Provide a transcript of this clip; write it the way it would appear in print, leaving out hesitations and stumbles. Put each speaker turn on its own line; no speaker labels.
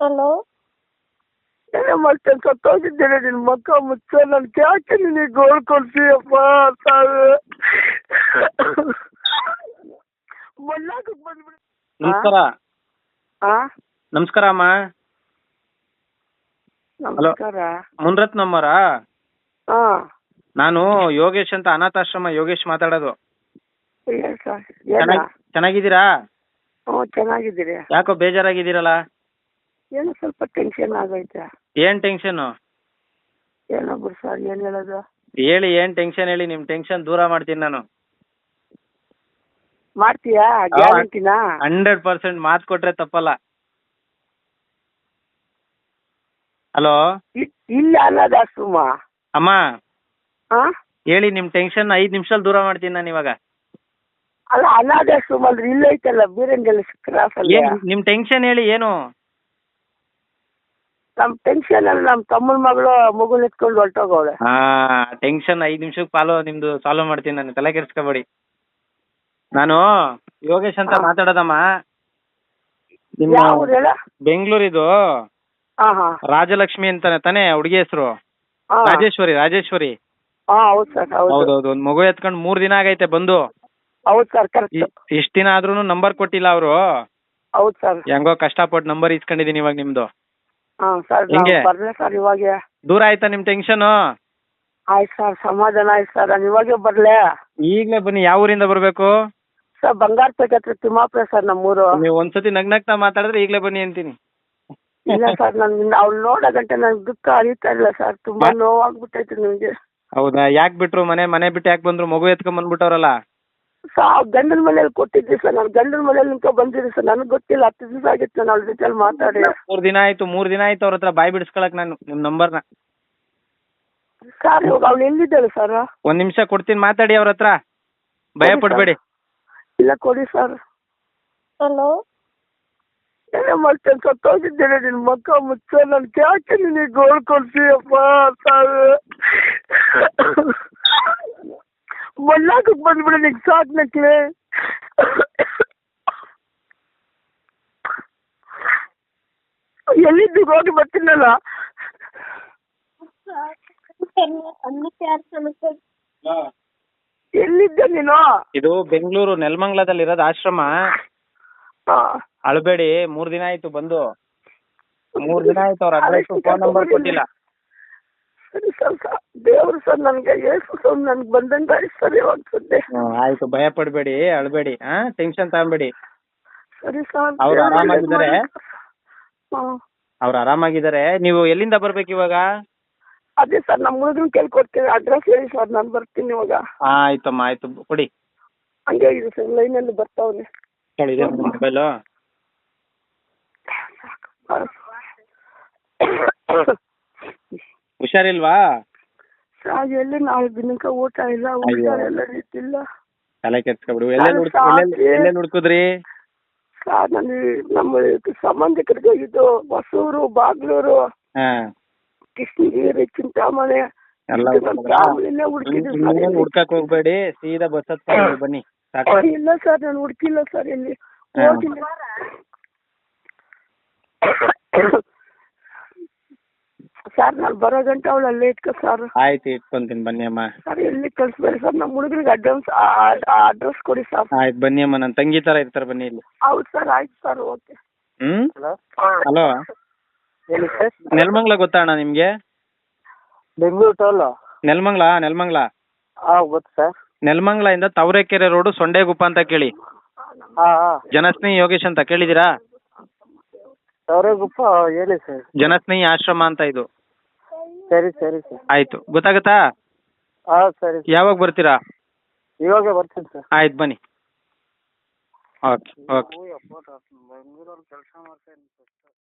Hello.
ಏನೇ ಮಾಡ್ತೇನೆ ಸತ್ತೋಗಿದ್ದೇನೆ ನಿನ್ನ ಮಕ್ಕ ಮುಚ್ಚ ನನ್ಗೆ ಯಾಕೆ ನಿನಗೆ ಗೋಳ್ ಕೊಡ್ತೀಯಪ್ಪ ಸಾವು ಮಲ್ಲಾಕಕ್ಕೆ ಬಂದ್ಬಿಡಿ.
ನಮಸ್ಕಾರ. ನಮಸ್ಕಾರ ಅಮ್ಮ.
ನಮಸ್ಕಾರ.
ಮುನ್ರತ್ನಮ್ಮರಾ? ನಾನು ಯೋಗೇಶ್ ಅಂತ, ಅನಾಥಾಶ್ರಮ ಯೋಗೇಶ್ ಮಾತಾಡೋದು. ಚೆನ್ನಾಗಿದ್ದೀರಾ?
ಹ್ಞೂ ಚೆನ್ನಾಗಿದ್ದೀರಿ.
ಯಾಕೋ ಬೇಜಾರಾಗಿದ್ದೀರಲ್ಲ?
ಏನೋ ಸ್ವಲ್ಪ ಟೆನ್ಷನ್ ಆಗೈತೆ.
ಏನ್ ಟೆನ್ಷನ್?
ಏನೋ ಬಿಡು ಸರ್, ಏನ್ ಹೇಳೋದು
ಹೇಳಿ, ಏನ್ ಟೆನ್ಷನ್ ಹೇಳಿ, ನಿಮ್ ಟೆನ್ಷನ್ ದೂರ ಮಾಡ್ತೀನಿ ನಾನು.
ಮಾಡ್ತೀಯಾ? ಗ್ಯಾರಂಟಿನಾ?
100% ಮಾತು ಕೊಟ್ರೆ ತಪ್ಪಲ್ಲ. ಹಲೋ
ಇಲ್ಲ ಅನಾಥಾಶ್ರಮ.
ಅಮ್ಮ
ಹಾ
ಹೇಳಿ, ನಿಮ್ ಟೆನ್ಷನ್ 5 ನಿಮಿಷದಲ್ಲಿ ದೂರ ಮಾಡ್ತೀನಿ ನಾನು ಇವಾಗ.
ಅಲ್ಲ ಅನಾಥಾಶ್ರಮ ಅಂದ್ರೆ ಇಲ್ಲ ಐತಲ್ಲ ಬೀರಂಗಲ್ ಕ್ರಾಸ್ ಅಲ್ಲಿ.
ನಿಮ್ ಟೆನ್ಷನ್ ಹೇಳಿ ಏನು?
ನಮ್ ಟೆನ್ಷನ್ ಅಲ್ಲಿ ನಮ್ ತಮ್ಮನ ಮಗಳು ಮಗುನ ಎತ್ಕೊಂಡು ಹೊರಟೋಗವಳೆ.
ಟೆನ್ಷನ್ 5 ನಿಮಿಷಕ್ಕೆ ನಿಮ್ದು ಸಾಲ್ವ್ ಮಾಡ್ತೀನಿ ನಾನು, ತಲೆ ಕೆಡಿಸ್ಕೋಬೇಡಿ. ನಾನು ಯೋಗೇಶ್ ಅಂತ ಮಾತಾಡೋದಮ್ಮ. ನಿಮ್ಮ ಬೆಂಗಳೂರಿದು ರಾಜಲಕ್ಷ್ಮಿ ಅಂತಾನೆ ತಾನೇ ಹುಡುಗಿ ಹೆಸರು? ರಾಜೇಶ್ವರಿ.
ಹೌದು ಸರ್.
ಹೌದೌದು. ಒಂದ್ ಮಗು ಎತ್ಕೊಂಡು 3 ದಿನ ಆಗೈತೆ ಬಂದು.
ಹೌದು ಸರ್, ಕರೆಕ್ಟ್.
ಇಷ್ಟ ದಿನ ಆದ್ರೂ ನಂಬರ್ ಕೊಟ್ಟಿಲ್ಲ ಅವರು.
ಹೌದು ಸರ್.
ಹೆಂಗೋ ಕಷ್ಟಪಟ್ಟು ನಂಬರ್ ಇಸ್ಕೊಂಡಿದೀನಿ ಇವಾಗ ನಿಮ್ದು.
ಸರ್ ಬರ್ಲೆ ಸರ್ ಇವಾಗ.
ದೂರ ಆಯ್ತಾ ನಿಮ್ ಟೆನ್ಷನ್?
ಆಯ್ತು ಸರ್, ಸಮಾಧಾನ ಆಯ್ತು ಸರ್. ನಾನು ಇವಾಗೆ ಬರ್ಲೆ?
ಈಗ್ಲೇ ಬನ್ನಿ. ಯಾವ ಊರಿಂದ ಬರ್ಬೇಕು
ಸರ್? ಬಂಗಾರಪೇಟೆ ಹತ್ರ ತಿಮ್ಮಾಪುರ ಸರ್ ನಮ್ಮೂರು.
ನೀವು ಒಂದ್ಸತಿ ನಗ್ನಗ್ತಾ ಮಾತಾಡಿದ್ರೆ ಈಗ್ಲೇ ಬನ್ನಿ ಅಂತೀನಿ.
ಇಲ್ಲ ಸರ್, ಅವ್ಳು ನೋಡೋ ಗಂಟೆ ನನ್ಗೆ ದುಃಖ ಅರಿತಾ ಇಲ್ಲ ಸರ್. ತುಂಬಾ ನೋವಾಗ್ಬಿಟ್ಟೈತೆ ನಿಮ್ಗೆ.
ಹೌದಾ? ಯಾಕೆ ಬಿಟ್ರು? ಮನೆ ಬಿಟ್ಟು ಯಾಕೆ ಬಂದ್ರು? ಮಗು ಎತ್ಕೊಂಡ್ ಬಂದ್ಬಿಟ್ಟವ್ರಲ್ಲ.
ಗಂಡನ ಮನೇಲಿ ಕೊಟ್ಟಿದ್ದೆ ಸರ್. ನಾನು ಗಂಡನ ಮನೇಲಿ ನಿಂತ ಬಂದಿದ್ದೆ ಸರ್. ನನಗೆ ಗೊತ್ತಿಲ್ಲ. 10 ದಿವಸ ಆಗಿತ್ತು ನಾನು ಅವ್ಳ ಜೊತೆ ಮಾತಾಡಿ.
3 ದಿನ ಆಯ್ತು ಅವ್ರ ಹತ್ರ ಬಾಯ್ ಬಿಡಿಸ್ಕೊಳಕ್ ನಾನು ನಿಮ್ ನಂಬರ್ನ.
ಸರ್ ಇವಾಗ ಅವ್ಳು ಎಲ್ಲಿದ್ದಾಳೆ ಸರ್?
1 ನಿಮಿಷ ಕೊಡ್ತೀನಿ, ಮಾತಾಡಿ ಅವ್ರ ಹತ್ರ. ಭಯ ಪಡ್ಬೇಡಿ.
ಇಲ್ಲ ಕೊಡಿ ಸರ್.
ಹಲೋ.
ಏನೇ ಮಾಡ್ತೇನೆ ಸತ್ತೋಗಿದ್ದೇನೆ ನಿನ್ನ ಮಕ್ಕ ಮುಚ್ಚ ನನ್ಗೆ ಯಾಕೆ ನಿನಗೆ ಗೋಳ್ ಕೊಡ್ತೀಯಪ್ಪ ಸಾವು ಮಲ್ಲಾಕಕ್ಕೆ ಬಂದ್ಬಿಡಿ. ನಿಂಗೆ ಸಾಕು ನಕ್ಲೆ. ಎಲ್ಲಿದ್ದು ಹೋಗಿ ಬರ್ತೀನಲ್ಲ. ಎಲ್ಲಿದ್ದೆ ನೀನು?
ಇದು ಬೆಂಗಳೂರು ನೆಲಮಂಗಲದಲ್ಲಿ ಇರೋದು ಆಶ್ರಮ. ಅಳಬೇಡಿ. 3 ದಿನ ಆಯ್ತು ಬಂದು. 3 ದಿನ ಆಯ್ತು. ಅವ್ರ ಅಡ್ರೆಸ್ ಫೋನ್ ನಂಬರ್ ಕೊಟ್ಟಿಲ್ಲ.
ಸರಿ ಸರ್. ದೇವ್ರು ಸರ್ ನನ್ಗೆ ಏಸು ಸರ್ ನನ್ಗೆ ಬಂದಂಗ ಸರಿ ಇವಾಗ ಸದ್ಯ.
ಆಯ್ತು, ಭಯ ಪಡ್ಬೇಡಿ, ಅಳಬೇಡಿ, ಟೆನ್ಷನ್ ತಗೊಂಬೇಡಿ.
ಸರಿ ಸರ್.
ಅವ್ರು ಆರಾಮಾಗಿದ್ದಾರೆ. ಅವ್ರು ಆರಾಮಾಗಿದ್ದಾರೆ. ನೀವು ಎಲ್ಲಿಂದ ಬರ್ಬೇಕು ಇವಾಗ?
ಅದೇ ಸರ್, ನಮ್ಮ ಹುಡುಗನ ಕೇಳ್ಕೊಡ್ತೀನಿ. ಅಡ್ರೆಸ್ ಹೇಳಿ ಸರ್, ನಾನು ಬರ್ತೀನಿ ಇವಾಗ.
ಆಯ್ತಮ್ಮ, ಆಯ್ತು ಕೊಡಿ.
ಹಂಗೆ ಇದೆ ಸರ್, ಲೈನಲ್ಲಿ ಬರ್ತಾವನೆ.
ಇದೆ ಮೊಬೈಲು. ಹುಷಾರಿಲ್ವಾ?
ಸರ್ ಎಲ್ಲಿ ನಾವು ದಿನಕ್ಕೆ ಊಟ ಇಲ್ಲ, ಹುಷಾರೆಲ್ಲ ರೀತಿಲ್ಲ.
ತಲೆ ಕೆಡ್ಸ್ಕೊಬಿಡು. ಎಲ್ಲೆಲ್ಲಿ ಹುಡ್ಕುದ್ರಿ?
ಸರ್ ನನಗೆ ನಮ್ಮ ಸಂಬಂಧಿಕರಿಗೆ ಹೋಗಿದ್ದು ಹೊಸೂರು, ಬಾಗ್ಲೂರು, ಕೃಷ್ಣಗಿರಿ, ಚಿಂತಾಮಣಿ
ಹುಡ್ಕಕ್ ಹೋಗ್ಬೇಡಿ. ಸೀದಾ ಬಸ್ ಹತ್ಕೊಂಡು ಬನ್ನಿ.
ಇಲ್ಲ ಸರ್, ನಾನು ಹುಡುಕಿಲ್ಲ ಸರ್, ಎಲ್ಲಿ ಹೋಗಿಲ್ಲ ಸರ್. ನಾನು ಬರೋ ಗಂಟೆ ಅವಳು ಅಲ್ಲೇ ಇಟ್ಕೊ ಸರ್.
ಆಯ್ತು, ಇಟ್ಕೊಂತೀನಿ. ಬನ್ನಿ ಅಮ್ಮ. ಸರ್
ಎಲ್ಲಿ ಕಳಿಸ್ಬೇಡಿ ಸರ್. ನಮ್ಮ ಹುಡುಗರಿಗೆ ಅಡ್ರೆಸ್ ಕೊಡಿ ಸರ್.
ಆಯ್ತು, ಬನ್ನಿ ಅಮ್ಮ. ನನ್ನ ತಂಗಿ ತರ ಇರ್ತಾರೆ, ಬನ್ನಿ ಇಲ್ಲಿ.
ಹೌದು ಸರ್, ಆಯ್ತು ಸರ್, ಓಕೆ.
ಹಲೋ,
ಹೇಳಿ ಸರ್.
ನೆಲಮಂಗಲ ಗೊತ್ತಾ ಅಣ್ಣ ನಿಮ್ಗೆ?
ಬೆಂಗಳೂರು ಟೋಲ್.
ನೆಲಮಂಗಲ
ಗೊತ್ತು ಸರ್.
ನೆಲಮಂಗಲ ಇಂದ ತವರೆಕೆರೆ ರೋಡ್ ಸೊಂಡೆಗುಪ್ಪ ಅಂತ ಕೇಳಿ. ಜನಸ್ನೇಹಿ ಯೋಗೇಶ್ ಅಂತ ಕೇಳಿದೀರಾ?
ತವರೆಗುಪ್ಪ ಹೇಳಿ ಸರ್.
ಜನಸ್ನೇಹಿ ಆಶ್ರಮ ಅಂತ ಇದು.
ಸರಿ ಸರಿ ಸರ್.
ಆಯ್ತು, ಗೊತ್ತಾಗತ್ತಾ?
ಸರಿ.
ಯಾವಾಗ ಬರ್ತೀರಾ?
ಇವಾಗ ಬರ್ತೀನಿ ಸರ್.
ಆಯ್ತು, ಬನ್ನಿ. ಓಕೆ.
ಬೆಂಗಳೂರಲ್ಲಿ ಕೆಲಸ ಮಾಡ್ತಾ ಇದ್ದೀನಿ ಸರ್.